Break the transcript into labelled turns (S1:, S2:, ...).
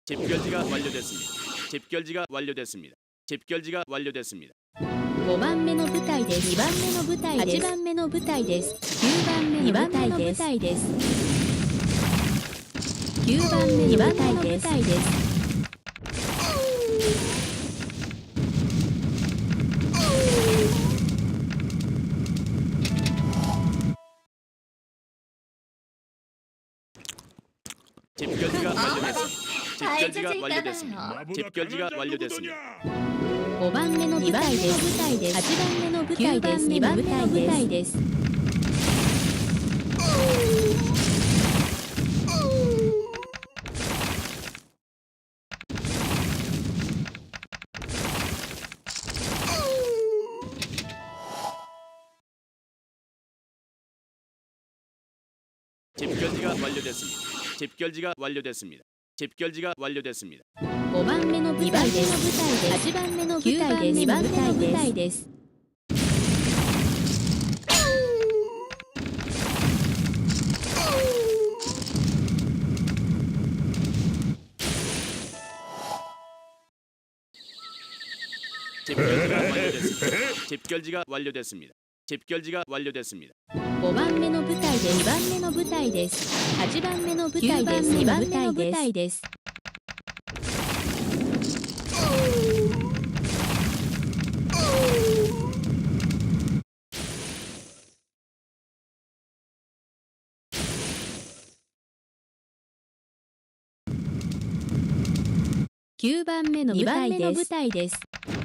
S1: 집결지가 완료됐습니다. 집결지가 완료됐습니다. 집결지가 완료됐습니다.
S2: 5番目の部隊です。2番目の部隊です。8番目の部隊です。9番目の部隊です。9番目の部隊です。
S1: 집결지가 완료됐습니다. 집결지가 완료됐습니다.
S2: 5番目の部隊です。8番目の部隊です。2番目の部隊です。
S1: 집결지가 완료됐습니다. 집결지가 완료됐습니다. 집결지가 완료됐습니다.
S2: 5番目の部隊です。8番目の部隊です。2番目の部隊です。
S1: 집결지가 완료됐습니다. 집결지가 완료됐습니다.
S2: 5番目の部隊で2番目の部隊です。8番目の部隊です。2番目の部隊です。9番目の部隊です。